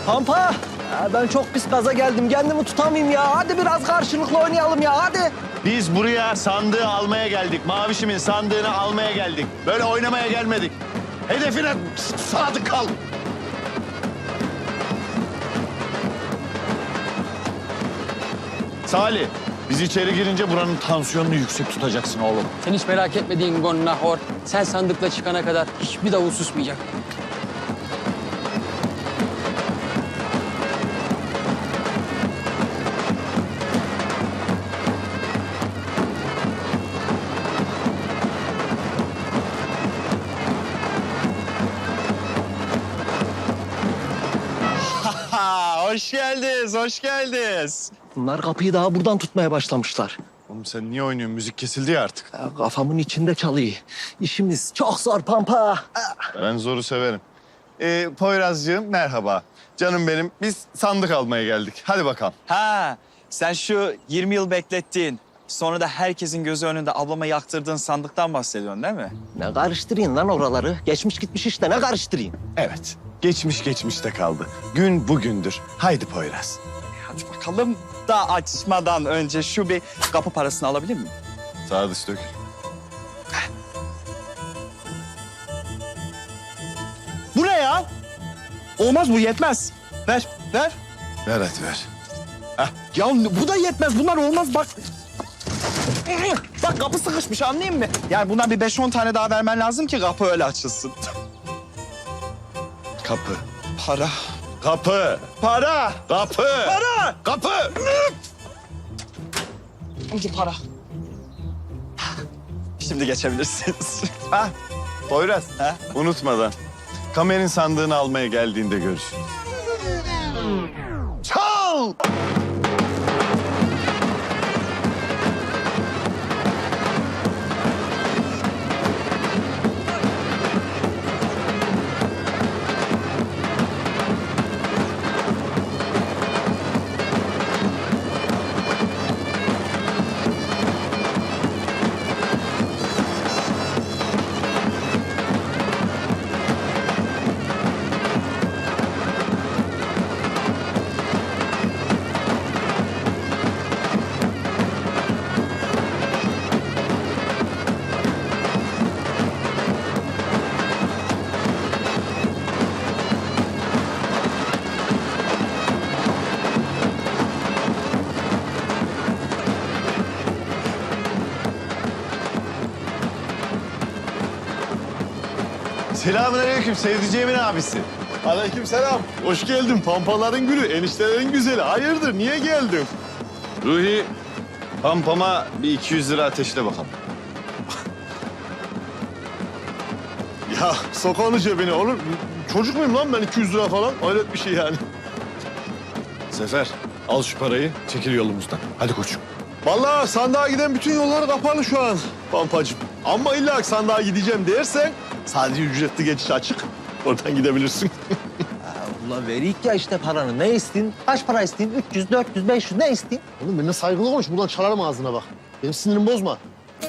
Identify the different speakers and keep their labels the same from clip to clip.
Speaker 1: Pampa, ben çok pis gaza geldim. Kendimi tutamayayım ya. Hadi biraz karşılıklı oynayalım ya, hadi.
Speaker 2: Biz buraya sandığı almaya geldik. Mavişimin sandığını almaya geldik. Böyle oynamaya gelmedik. Hedefine sadık kal. Salih, biz içeri girince buranın tansiyonunu yüksek tutacaksın oğlum.
Speaker 3: Sen hiç merak etmediğin Gon Nahor. Sen sandıkla çıkana kadar hiçbir davul susmayacak.
Speaker 2: Hoş geldiniz, hoş geldiniz.
Speaker 1: Bunlar kapıyı daha buradan tutmaya başlamışlar.
Speaker 2: Oğlum sen niye oynuyorsun? Müzik kesildi ya artık.
Speaker 1: Ya, kafamın içinde çalıyor. İşimiz çok zor Pampa.
Speaker 2: Ben zoru severim. Poyrazcığım merhaba. Canım benim, biz sandık almaya geldik. Hadi bakalım.
Speaker 4: Ha, sen şu 20 yıl beklettiğin, sonra da herkesin gözü önünde ablama yaktırdığın sandıktan bahsediyorsun değil mi?
Speaker 1: Ne karıştırayım lan oraları? Geçmiş gitmiş işte, ne karıştırayım?
Speaker 2: Evet, geçmiş geçmişte kaldı. Gün bugündür. Haydi Poyraz.
Speaker 4: Hadi bakalım da açmadan önce şu bir kapı parasını alabilir miyim?
Speaker 2: Sağa dış dök.
Speaker 4: Bu ne ya? Olmaz bu yetmez. Ver, ver.
Speaker 2: Ver hadi ver.
Speaker 4: Ya bu da yetmez. Bunlar olmaz bak. Bak kapı sıkışmış anlayayım mı? Yani bundan bir 5-10 tane daha vermen lazım ki kapı öyle açılsın.
Speaker 2: Kapı.
Speaker 4: Para.
Speaker 2: Kapı.
Speaker 4: Para.
Speaker 2: Kapı.
Speaker 4: Para.
Speaker 2: Kapı.
Speaker 4: Önce para. Şimdi geçebilirsiniz.
Speaker 2: Ha, Poyraz.
Speaker 4: Ha?
Speaker 2: Unutmadan. Kamerin sandığını almaya geldiğinde görüşürüz. Çal! Selamünaleyküm sevdiceğimin abisi.
Speaker 5: Aleykümselam. Hoş geldin. Pampaların gülü, eniştelerin güzeli. Hayırdır, niye geldin?
Speaker 2: Ruhi, pampama bir 200 lira ateşle bakalım.
Speaker 5: Ya sok onu cebine oğlum. Çocuk muyum lan ben 200 lira falan? Hayret bir şey yani.
Speaker 2: Sefer, al şu parayı, çekil yolumuzdan. Hadi koçum.
Speaker 5: Vallahi sandığa giden bütün yollar kapalı şu an Pampacığım. Ama illa ki sandığa gideceğim dersen sadece ücretli geçiş açık. Oradan gidebilirsin.
Speaker 1: Ulan verik ya işte paranı. Ne istin? Kaç para istin? 300, 400, 500 ne istin?
Speaker 6: Oğlum benimle saygılı konuş. Buradan çalarım ağzına bak. Benim sinirimi bozma.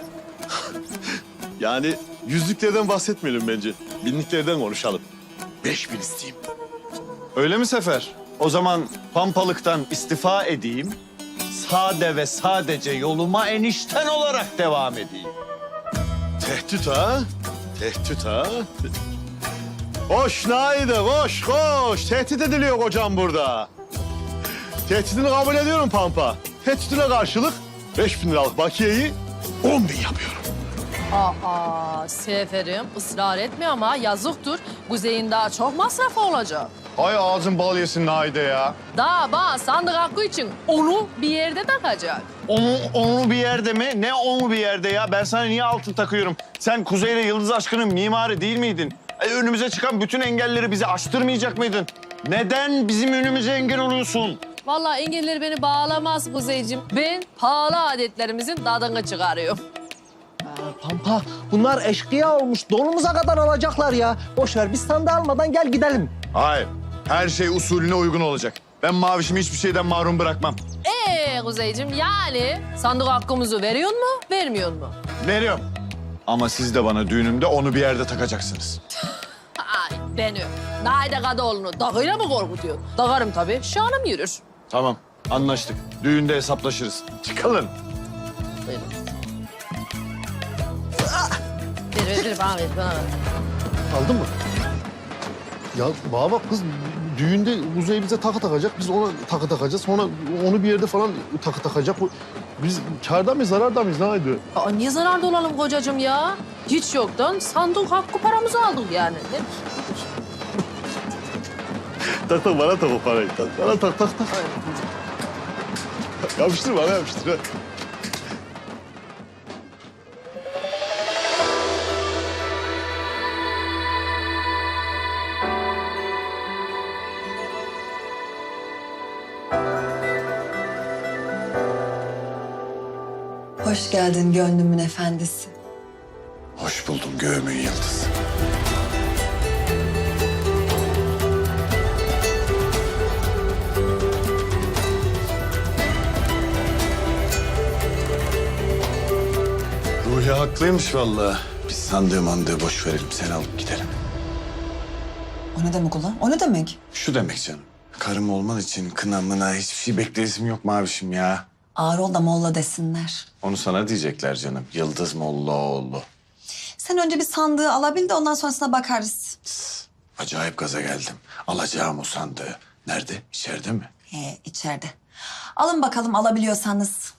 Speaker 5: Yani yüzlüklerden bahsetmeyelim bence. Binliklerden konuşalım. 5000 isteyeyim.
Speaker 2: Öyle mi Sefer? O zaman pampalıktan istifa edeyim. Sade ve sadece yoluma enişten olarak devam edeyim.
Speaker 5: Tehdit ha? Tehdit ha? Koş Naide, koş, koş. Tehdit ediliyor kocam burada. Tehditini kabul ediyorum Pampa. Tehditine karşılık 5000 liralık bakiyeyi 10.000 yapıyorum.
Speaker 7: Aa, Seferim ısrar etme ama yazıktır. Kuzey'in daha çok masrafı olacak.
Speaker 2: Hay ağzın bal yesin Naide ya.
Speaker 7: Daha bak sandık hakkı için onu bir yerde takacak.
Speaker 2: Onu bir yerde mi? Ne onu bir yerde ya? Ben sana niye altın takıyorum? Sen Kuzey ile Yıldız aşkının mimarı değil miydin? Önümüze çıkan bütün engelleri bize aştırmayacak mıydın? Neden bizim önümüze engel oluyorsun?
Speaker 7: Vallahi engelleri beni bağlamaz Kuzeyciğim. Ben pahalı adetlerimizin tadını çıkarıyorum.
Speaker 1: Pampa, bunlar eşkıya olmuş. Donumuza kadar alacaklar ya. Boş ver, biz sandığı almadan gel gidelim.
Speaker 2: Hayır. Her şey usulüne uygun olacak. Ben mavişimi hiçbir şeyden mahrum bırakmam.
Speaker 7: Kuzeyciğim yani sandık hakkımızı veriyor mu, vermiyor mu?
Speaker 2: Veriyorum. Ama siz de bana düğünümde onu bir yerde takacaksınız.
Speaker 7: Ay, beni. Naide Kadıoğlu'nu dağıyla mı korkutuyorsun? Dağarım tabii. Şanım yürür.
Speaker 2: Tamam, anlaştık. Düğünde hesaplaşırız. Çıkalım.
Speaker 7: Buyurun. Ver bana ver bana.
Speaker 6: Aldın mı? Ya bana bak kız düğünde Kuzey bize takı takacak. Biz ona takı takacağız. Sonra onu bir yerde falan takı takacak. Biz kârda mıyız, zararda mıyız? Ne haydi?
Speaker 7: Aa, niye zararda olalım kocacığım ya? Hiç yoktan sandık hakkı paramızı aldık yani. Ne?
Speaker 5: Tak bana tak o parayı. Tak, bana tak. Yapıştır bana yapıştır. Ha.
Speaker 8: Hoş geldin gönlümün efendisi.
Speaker 2: Hoş buldum göğümün yıldızı. Ruhi haklıymış vallahi. Biz sandığı mandığı boş verelim. Sen alıp gidelim.
Speaker 8: O ne demek ulan? O ne demek?
Speaker 2: Şu demek canım. Karım olman için kına mına hiçbir şey bekleyesim yok mavişim ya.
Speaker 8: Ağır ol da molla desinler.
Speaker 2: Onu sana diyecekler canım. Yıldız Mollaoğlu.
Speaker 8: Sen önce bir sandığı alabil de ondan sonrasına bakarız.
Speaker 2: Acayip gaza geldim. Alacağım o sandığı. Nerede? İçeride mi?
Speaker 8: İçeride. Alın bakalım alabiliyorsanız.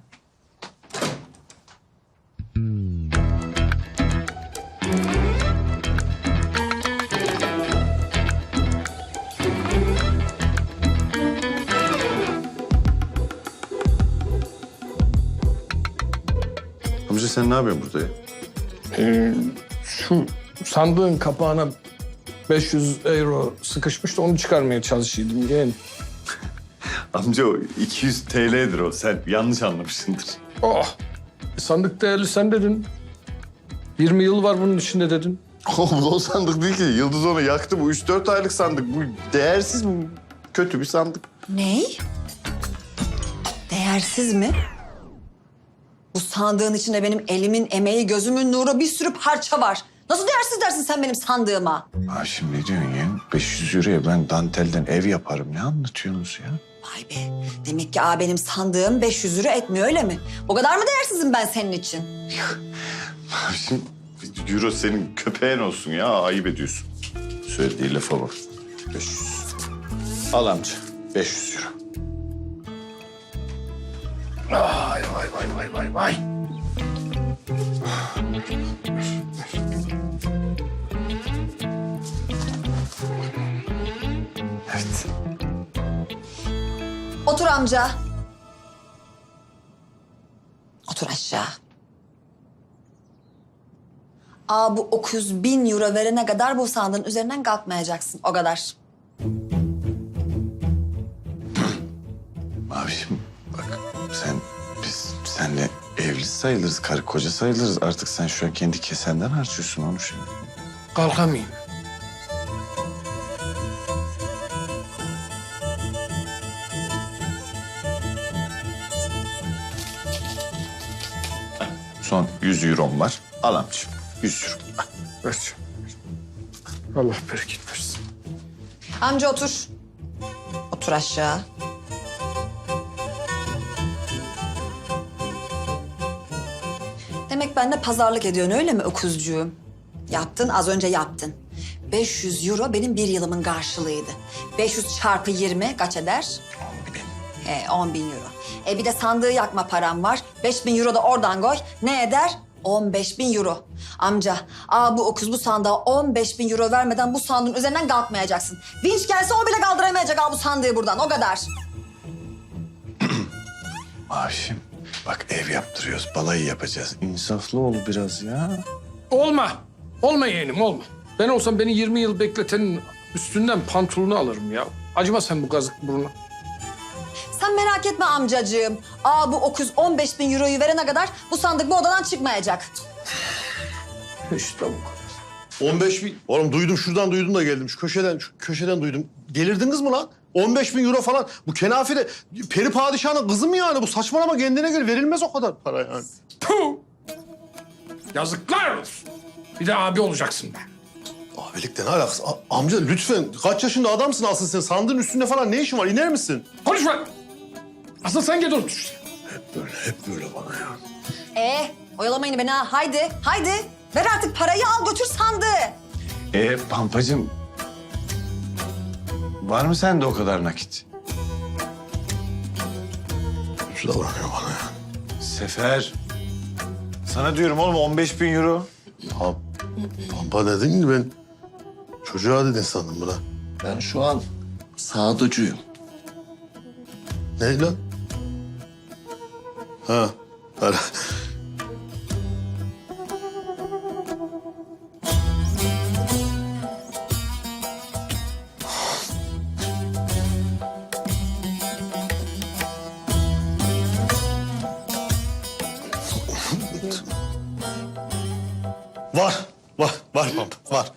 Speaker 2: Amca sen ne yapıyorsun burada ya?
Speaker 9: Şu sandığın kapağına 500 euro sıkışmış da onu çıkarmaya çalışıyordum yeğen.
Speaker 2: Amca o 200 TL'dir o. Sen yanlış anlamışsındır.
Speaker 9: Oh! Sandık değerli sen dedin. 20 yıl var bunun içinde dedin.
Speaker 5: Oğlum o sandık değil ki. Yıldız onu yaktı. Bu 3-4 aylık sandık. Bu değersiz mi? Kötü bir sandık.
Speaker 8: Ney? Değersiz mi? Bu sandığın içinde benim elimin emeği, gözümün nuru bir sürü parça var. Nasıl değersiz dersin sen benim sandığıma?
Speaker 2: Şimdi ne diyorsun ya? 500 euroya ben dantelden ev yaparım. Ne anlatıyorsunuz ya?
Speaker 8: Vay be. Demek ki benim sandığım 500 lira etmiyor öyle mi? O kadar mı değersizim ben senin için?
Speaker 2: Şimdi euro senin köpeğin olsun ya. Ayıp ediyorsun. Söylediği lafa bak. 500. Al amca. 500 euro.
Speaker 9: Vay.
Speaker 2: Evet.
Speaker 8: Otur amca. Otur aşağı. Bu 900.000 euro verene kadar bu sandığın üzerinden kalkmayacaksın. O kadar.
Speaker 2: Mavişim bak biz senle evli sayılırız. Karı koca sayılırız. Artık sen şu an kendi kesenden harcıyorsun onu şimdi.
Speaker 9: Kalkamayayım.
Speaker 2: Son 100 eurom var. Al amcığım. 100 euro.
Speaker 9: Ver. Allah bereket versin.
Speaker 8: Amca otur. Otur aşağı. Demek benimle pazarlık ediyorsun öyle mi öküzcüğüm? Yaptın, az önce yaptın. 500 euro benim bir yılımın karşılığıydı. 500 çarpı 20 kaç eder? 10.000 euro. Bir de sandığı yakma param var. 5.000 euro da oradan koy. Ne eder? 15.000 euro. Amca, bu öküz bu sandığa 15.000 euro vermeden bu sandığın üzerinden kalkmayacaksın. Vinç gelse o bile kaldıramayacak bu sandığı buradan. O kadar.
Speaker 2: Mavişim bak ev yaptırıyoruz. Balayı yapacağız. İnsaflı ol biraz ya.
Speaker 9: Olma. Olma yeğenim olma. Ben olsam beni 20 yıl bekletenin üstünden pantolonu alırım ya. Acıma sen bu kazık burnu.
Speaker 8: Sen merak etme amcacığım. Bu öküz 15.000 euroyu verene kadar bu sandık bu odadan çıkmayacak.
Speaker 9: İşte bu kadar.
Speaker 5: 15.000. Oğlum duydum şuradan duydum da geldim. Şu köşeden duydum. Delirdiniz mi lan? 15.000 euro falan. Bu kenafire peri padişahının kızı mı yani? Bu saçmalama kendine göre verilmez o kadar para yani.
Speaker 9: Puh! Yazıklar olsun. Bir de abi olacaksın be.
Speaker 6: Abilik de ne alakası? Amca lütfen kaç yaşında adamsın aslında sen? Sandığın üstünde falan ne işin var? İner misin?
Speaker 9: Konuşma. Asıl sen gel otur.
Speaker 6: Hep böyle bana ya.
Speaker 8: Oyalamayın beni ha. Haydi, haydi. Ver artık parayı al götür sandığı.
Speaker 2: Pampacığım. Var mı sende o kadar nakit?
Speaker 6: Kötü davranıyor bana ya.
Speaker 2: Sefer. Sana diyorum oğlum 15.000 euro.
Speaker 6: Ya Pampa dedin ki ben çocuğa dedin sandım buna.
Speaker 1: Ben şu an sağducuyum.
Speaker 6: Ne lan? Ha. Para. Var Pampa, var.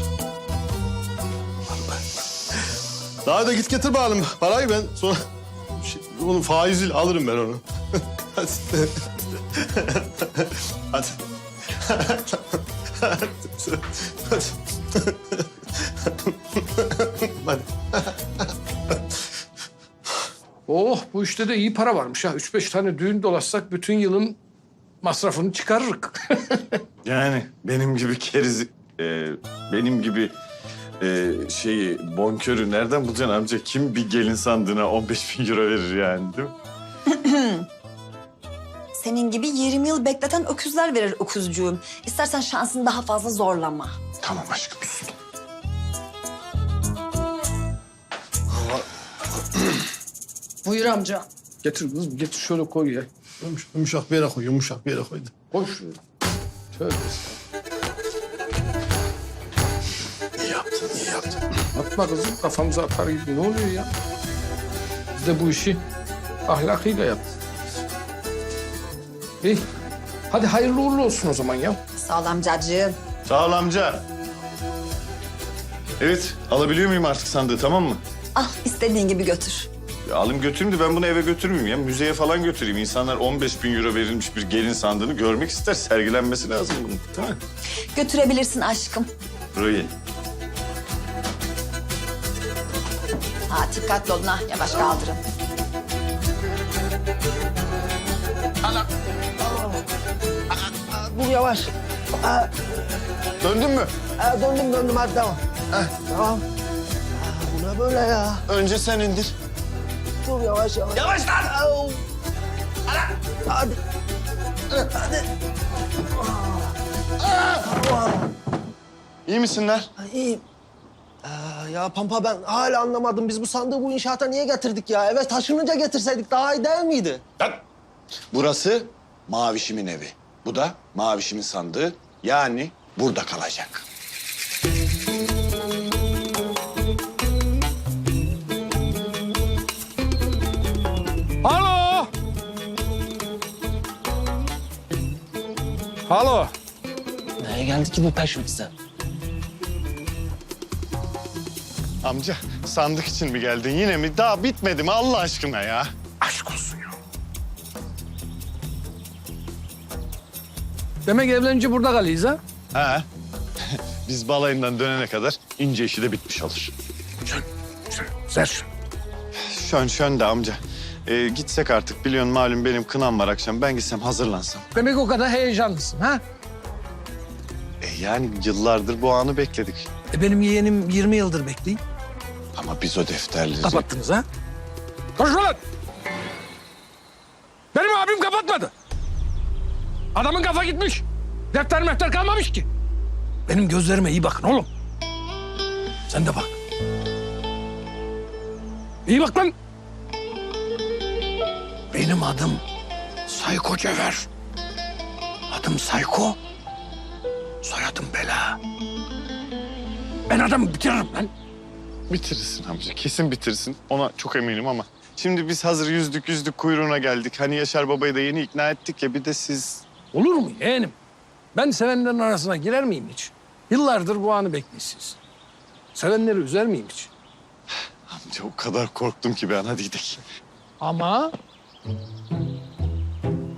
Speaker 6: Daha da git getir bakalım parayı ben sonra onun faiziyle alırım ben onu. Hadi. Hadi. Hadi. Hadi.
Speaker 9: Oh bu işte de iyi para varmış ha. 3-5 tane düğün dolaşsak bütün yılın masrafını çıkarırık.
Speaker 2: Yani benim gibi benim gibi bonkörü nereden bulacaksın amca? Kim bir gelin sandığına 15.000 euro verir yani değil mi?
Speaker 8: Senin gibi 20 yıl bekleten öküzler verir öküzcüğüm. İstersen şansını daha fazla zorlama.
Speaker 2: Tamam aşkım.
Speaker 7: Buyur amca.
Speaker 9: Getir kızım getir şöyle koy ya.
Speaker 6: Yumuşak bir yere koy, yumuşak bir yere koy.
Speaker 9: Koy şuraya. Tövbe
Speaker 6: İyi yaptın, iyi yaptın.
Speaker 9: atma kızım kafamıza atar gibi ne oluyor ya? Biz de bu işi ahlakıyla yaptık. İyi. Hadi hayırlı uğurlu olsun o zaman ya.
Speaker 8: Sağ ol amcacığım.
Speaker 2: Sağ ol amca. Evet, alabiliyor muyum artık sandığı tamam mı?
Speaker 8: Al istediğin gibi götür.
Speaker 2: Ya alayım götüreyim de ben bunu eve götürmeyeyim ya. Müzeye falan götüreyim. İnsanlar 15.000 euro verilmiş bir gelin sandığını görmek ister. Sergilenmesi lazım bunun. Değil mi?
Speaker 8: Götürebilirsin aşkım.
Speaker 2: Burayı.
Speaker 8: Ha dikkatli olun ha yavaş kaldırın.
Speaker 1: Dur yavaş.
Speaker 2: Döndün mü?
Speaker 1: Döndüm hadi devam. Tamam. Bu ne böyle ya?
Speaker 2: Önce sen indir.
Speaker 1: Dur yavaş. Yavaş lan! Hadi.
Speaker 2: İyi misinler?
Speaker 1: İyiyim. Ya Pampa ben hala anlamadım. Biz bu sandığı bu inşaata niye getirdik ya? Eve taşınınca getirseydik daha iyi değil miydi?
Speaker 2: Burası Mavişim'in evi. Bu da Mavişim'in sandığı. Yani burada kalacak.
Speaker 9: Alo! Alo!
Speaker 1: Neye geldi ki bu peşimizden?
Speaker 2: Amca sandık için mi geldin yine mi? Daha bitmedi mi Allah aşkına ya?
Speaker 9: Aşk olsun ya. Demek evlenince burada kalıyız ha?
Speaker 2: Ha. Biz balayından dönene kadar ince işi de bitmiş olur.
Speaker 9: Ver.
Speaker 2: Şön de amca. Gitsek artık biliyorsun malum benim kınam var akşam. Ben gitsem hazırlansam.
Speaker 9: Demek o kadar heyecanlısın ha?
Speaker 2: Yani yıllardır bu anı bekledik.
Speaker 9: Benim yeğenim 20 yıldır bekliyor.
Speaker 2: Ama biz o defterleri...
Speaker 9: Kapattınız ha? Konuşma lan! Benim abim kapatmadı. Adamın kafa gitmiş. Defter mehter kalmamış ki. Benim gözlerime iyi bakın oğlum. Sen de bak. İyi bak lan. Benim adım Sayko Cevher. Adım Sayko. Soyadım Bela. Ben adamı bitiririm lan.
Speaker 2: Bitirirsin amca, kesin bitirsin. Ona çok eminim ama. Şimdi biz hazır yüzdük kuyruğuna geldik. Hani Yaşar Baba'yı da yeni ikna ettik ya bir de siz...
Speaker 9: Olur mu yeğenim? Ben sevenlerin arasına girer miyim hiç? Yıllardır bu anı bekliyorsunuz. Sevenleri üzer miyim hiç?
Speaker 2: Amca o kadar korktum ki ben. Hadi gidelim.
Speaker 9: Ama...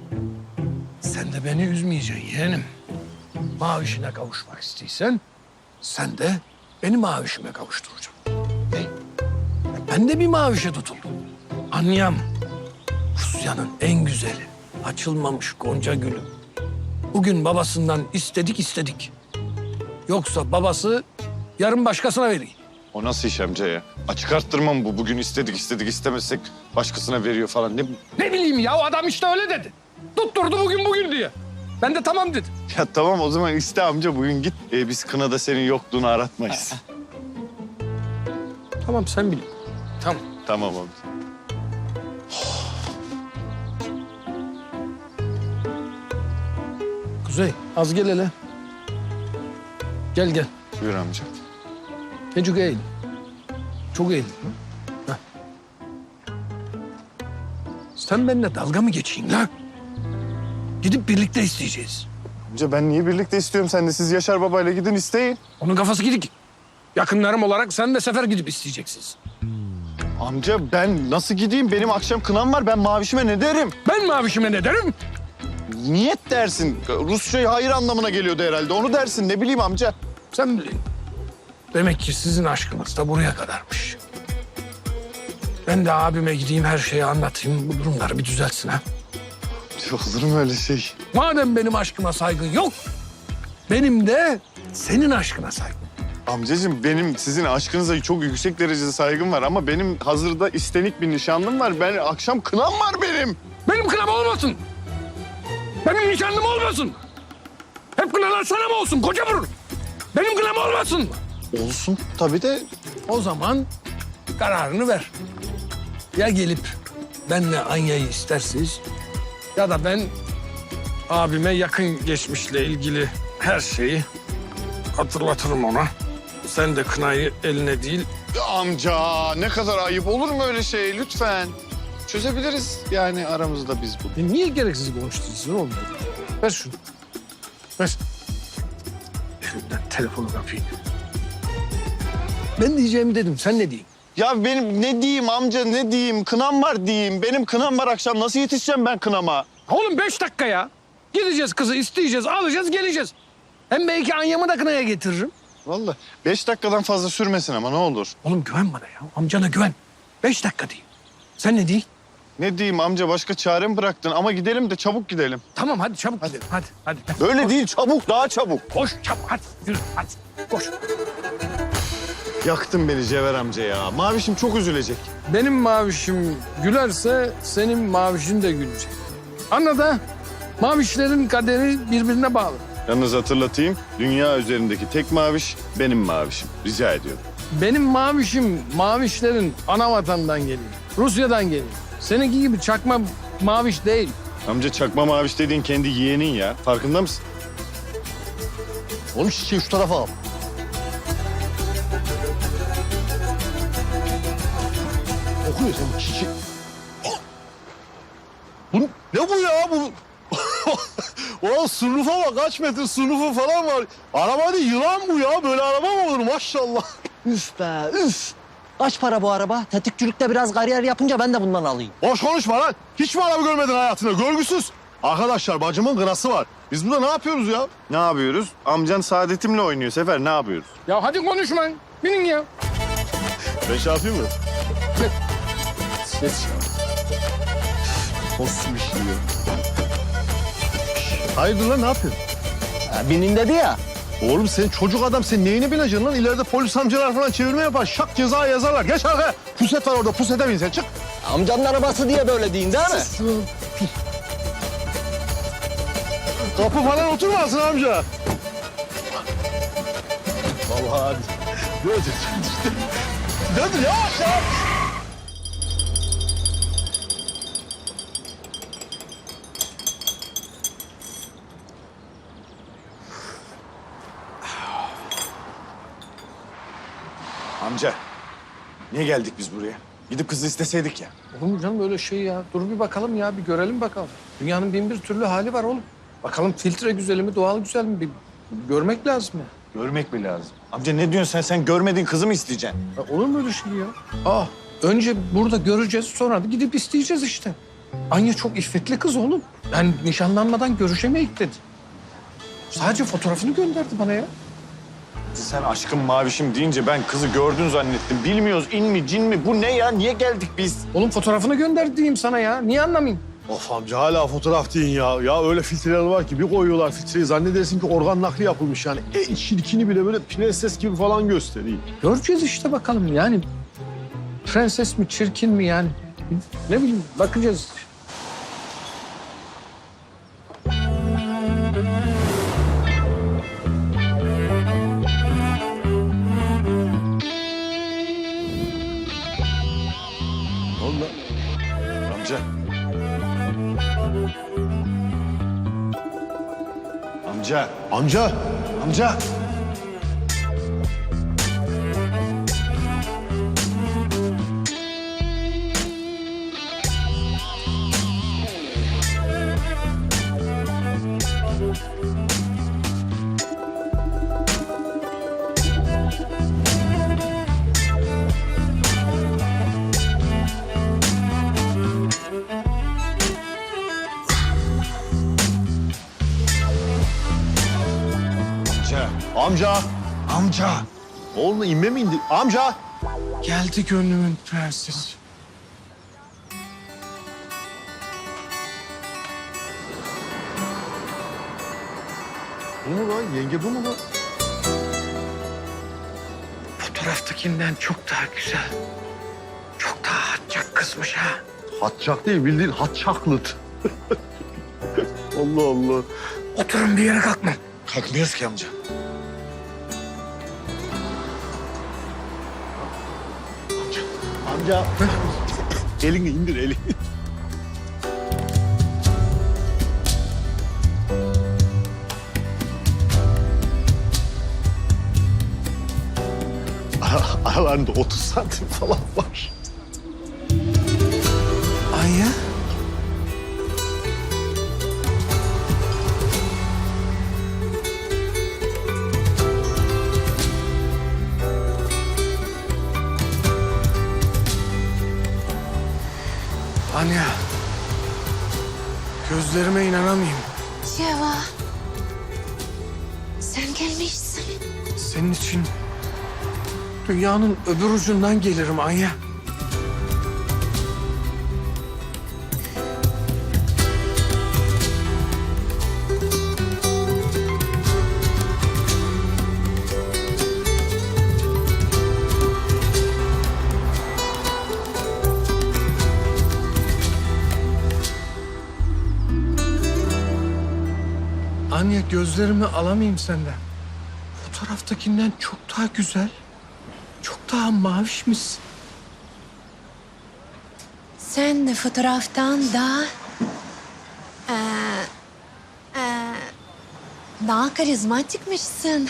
Speaker 9: sen de beni üzmeyeceksin yeğenim. Mavişine kavuşmak istiyorsan sen de beni mavişime kavuşturacaksın. Ben de bir mavişe tutuldum. Anyam, Rusya'nın en güzeli, açılmamış gonca gülü. Bugün babasından istedik. Yoksa babası yarın başkasına vereyim.
Speaker 2: O nasıl iş amca ya? Açık arttırma mı bu? Bugün istedik istemezsek başkasına veriyor falan.
Speaker 9: Ne bileyim ya, o adam işte öyle dedi. Tutturdu bugün diye. Ben de tamam dedim.
Speaker 2: Ya tamam o zaman iste amca bugün git. Biz kınada senin yokluğunu aratmayız.
Speaker 9: Tamam, sen bil. Tamam.
Speaker 2: Tamam amca.
Speaker 9: Kuzey, az gel hele. Gel.
Speaker 2: Buyur amca.
Speaker 9: Necuk eğil. Çok eğil. Heh. Sen benimle dalga mı geçeyim lan? Gidip birlikte isteyeceğiz.
Speaker 2: Amca ben niye birlikte istiyorum sen de? Siz Yaşar babayla gidin isteyin.
Speaker 9: Onun kafası gidik. Yakınlarım olarak sen de Sefer gidip isteyeceksiniz.
Speaker 2: Amca ben nasıl gideyim? Benim akşam kınam var. Ben mavişime ne derim?
Speaker 9: Ben mavişime ne derim?
Speaker 2: Niyet dersin. Rusça hayır anlamına geliyordu herhalde. Onu dersin. Ne bileyim amca.
Speaker 9: Sen bilin. Demek ki sizin aşkınız da buraya kadarmış. Ben de abime gideyim, her şeyi anlatayım. Bu durumları bir düzeltsin ha.
Speaker 2: Olur mu öyle şey?
Speaker 9: Madem benim aşkıma saygın yok, benim de senin aşkına saygım.
Speaker 2: Amcacığım benim sizin aşkınıza çok yüksek derecede saygım var ama benim hazırda istenik bir nişanlım var. Ben akşam kınam var benim.
Speaker 9: Benim kınam olmasın. Benim nişanlım olmasın. Hep kınalar sana mı olsun koca burun? Benim kınam olmasın.
Speaker 2: Olsun tabii de.
Speaker 9: O zaman kararını ver. Ya gelip benle Anya'yı istersiniz ya da ben abime yakın geçmişle ilgili her şeyi hatırlatırım ona. Sen de kınayı eline değil.
Speaker 2: Amca ne kadar ayıp olur mu öyle şey lütfen. Çözebiliriz yani aramızda biz bunu.
Speaker 9: Niye gereksiz konuşturuyorsun oğlum? Ver şunu. Ver. Elimden telefonu kapayım. Ben diyeceğimi dedim. Sen ne diyeyim?
Speaker 2: Ya benim ne diyeyim amca ne diyeyim? Kınam var diyeyim. Benim kınam var akşam. Nasıl yetişeceğim ben kınama?
Speaker 9: Oğlum 5 dakika ya. Gideceğiz kızı isteyeceğiz, alacağız, geleceğiz. Hem belki Anya'mı da kınaya getiririm.
Speaker 2: Vallahi 5 dakikadan fazla sürmesin ama ne olur.
Speaker 9: Oğlum güven bana ya. Amcana güven. 5 dakika diyeyim. Sen ne diyeyim?
Speaker 2: Ne diyeyim amca başka çare mi bıraktın? Ama gidelim de çabuk gidelim.
Speaker 9: Tamam hadi çabuk gidelim. Hadi.
Speaker 2: Böyle değil çabuk daha çabuk.
Speaker 9: Koş çabuk hadi. Yürü hadi. Koş.
Speaker 2: Yaktın beni Cevher amca ya. Mavişim çok üzülecek.
Speaker 9: Benim mavişim gülerse senin mavişin de gülecek. Anladın ha? Mavişlerin kaderi birbirine bağlı.
Speaker 2: Yalnız hatırlatayım. Dünya üzerindeki tek maviş benim mavişim. Rica ediyorum.
Speaker 9: Benim mavişim mavişlerin ana vatandan geliyor. Rusya'dan geliyor. Seninki gibi çakma maviş değil.
Speaker 2: Amca çakma maviş dediğin kendi yeğenin ya. Farkında mısın?
Speaker 6: Oğlum çiçeği şu tarafa al. Okuyor sen çiçeği. Bu ne bu ya? Bu o sunrufa bak, kaç metre sunrufu falan var. Araba değil, yılan bu ya. Böyle araba mı olur maşallah.
Speaker 1: Üf be üf. Kaç para bu araba? Tetikçilikte biraz kariyer yapınca ben de bundan alayım.
Speaker 6: Boş konuşma lan. Hiç mi araba görmedin hayatında? Görgüsüz. Arkadaşlar bacımın gırası var. Biz burada ne yapıyoruz ya?
Speaker 2: Ne yapıyoruz? Amcan Saadet'imle oynuyor Sefer. Ne yapıyoruz?
Speaker 9: Ya hadi konuşmayın. Binin ya.
Speaker 6: Ben şey yapayım mı?
Speaker 9: Ses.
Speaker 6: Nasıl bir şey ya? Hayırdır lan, ne yapıyorsun?
Speaker 1: Binin dedi ya.
Speaker 6: Oğlum sen çocuk adam, sen neyine bineceksin lan? İleride polis amcalar falan çevirme yapar. Şak ceza yazarlar. Geç arkaya. Puset var orada. Pusete bin sen, çık.
Speaker 1: Amcanın arabası diye böyle deyin değil mi?
Speaker 6: Kapı falan oturmasın amca. Vallahi hadi. Dur yavaş ya.
Speaker 2: Amca. Niye geldik biz buraya? Gidip kızı isteseydik ya.
Speaker 9: Oğlum canım öyle şey ya. Dur bir bakalım ya, bir görelim bakalım. Dünyanın bin bir türlü hali var oğlum. Bakalım filtre güzel mi, doğal güzel mi? Bir görmek lazım ya.
Speaker 2: Görmek mi lazım? Amca ne diyorsun sen? Sen görmediğin kızı mı isteyeceksin?
Speaker 9: Ya olur mu öyle şey ya? Önce burada göreceğiz, sonra da gidip isteyeceğiz işte. Anya çok iffetli kız oğlum. Yani nişanlanmadan görüşemeyik dedi. Sadece fotoğrafını gönderdi bana ya.
Speaker 2: Sen aşkım mavişim deyince ben kızı gördün zannettim. Bilmiyoruz in mi cin mi? Bu ne ya? Niye geldik biz?
Speaker 9: Oğlum fotoğrafını gönder diyeyim sana ya. Niye anlamayayım?
Speaker 5: Of amca hala fotoğraf deyin ya. Ya öyle filtreler var ki bir koyuyorlar filtreyi zannedersin ki organ nakli yapılmış yani. En çirkini bile böyle prenses gibi falan gösteriyor.
Speaker 9: Göreceğiz işte bakalım yani. Prenses mi çirkin mi yani? Ne bileyim bakacağız.
Speaker 5: Ne oldu lan?
Speaker 2: Amca. Amca.
Speaker 5: Amca.
Speaker 2: Amca.
Speaker 5: Amca.
Speaker 2: Amca.
Speaker 5: Oğlum inme mi indi? Amca.
Speaker 9: Geldi gönlümün prensesi.
Speaker 5: Bu mu lan? Yenge bu mu lan?
Speaker 9: Fotoğraftakinden çok daha güzel. Çok daha hatçak kızmış ha.
Speaker 5: Hatçak değil bildiğin hatçaklıt. Allah Allah.
Speaker 9: Oturun bir yere kalkmam.
Speaker 2: Kalkmıyoruz ki amca.
Speaker 5: Amca. Elini indir elini. Aralarında 30 santim falan var.
Speaker 9: Anya. Anya. Gözlerime inanamayayım.
Speaker 10: Ceva. Sen gelmişsin.
Speaker 9: Senin için dünyanın öbür ucundan gelirim Anya. Anya gözlerimi alamayayım senden. Fotoğraftakinden çok daha güzel, çok daha mavişmişsin.
Speaker 10: Sen de fotoğraftan daha... daha karizmatikmişsin.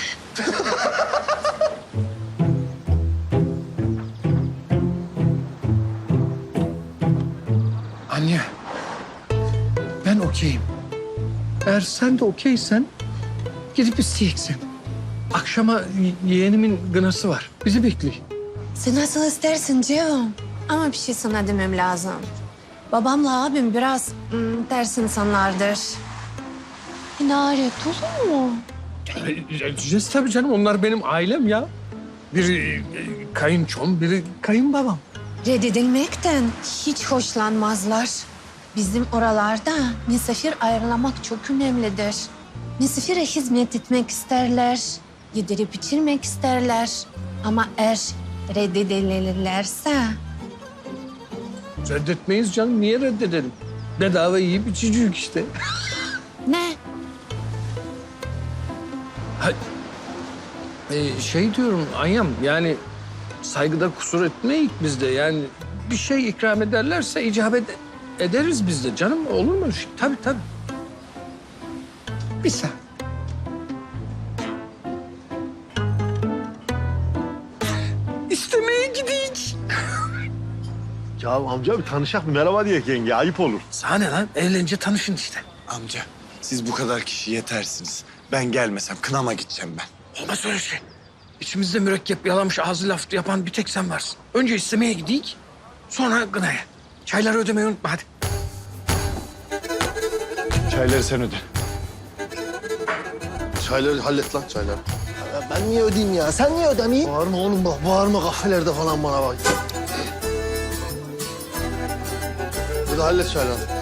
Speaker 9: Anne, ben okeyim. Eğer sen de okeysen gidip isteyeceksin. Akşama yeğenimin gınası var. Bizi bekliyor.
Speaker 10: Sen nasıl istersin Cevum? Ama bir şey sana demem lazım. Babamla abim biraz ters insanlardır. İnaret olur mu?
Speaker 9: Edeceğiz tabii canım. Onlar benim ailem ya. Biri kayınçom, biri kayınbabam.
Speaker 10: Reddedilmekten hiç hoşlanmazlar. Bizim oralarda misafir ağırlamak çok önemlidir. Misafire hizmet etmek isterler, yedirip içirmek isterler. Ama eğer reddedilirlerse
Speaker 9: Reddetmeyiz canım. Niye reddedelim? Bedava yiyip içeceğiz işte.
Speaker 10: ne?
Speaker 9: Ha, şey diyorum Anyam, yani saygıda kusur etmeyik biz de. Yani bir şey ikram ederlerse icabet ederiz biz de canım. Olur mu? Tabii tabii. Bir saniye. İstemeye gidiyiz.
Speaker 5: Ya amca bir tanışak bir merhaba diye yenge ayıp olur.
Speaker 9: Sana ne lan? Evlenince tanışın işte.
Speaker 2: Amca siz bu kadar kişi yetersiniz. Ben gelmesem kınama gideceğim ben.
Speaker 9: Olmaz öyle şey. İçimizde mürekkep yalamış ağzı laf yapan bir tek sen varsın. Önce istemeye gidik, sonra gınaya. Çayları ödemeyi unutma hadi.
Speaker 2: Çayları sen öde.
Speaker 6: Çayları hallet lan çayları.
Speaker 1: Ya ben niye ödeyeyim ya? Sen niye ödemeyeyim?
Speaker 6: Bağırma oğlum bak, bağırma kafelerde falan bana bak. Hadi hallet çayları.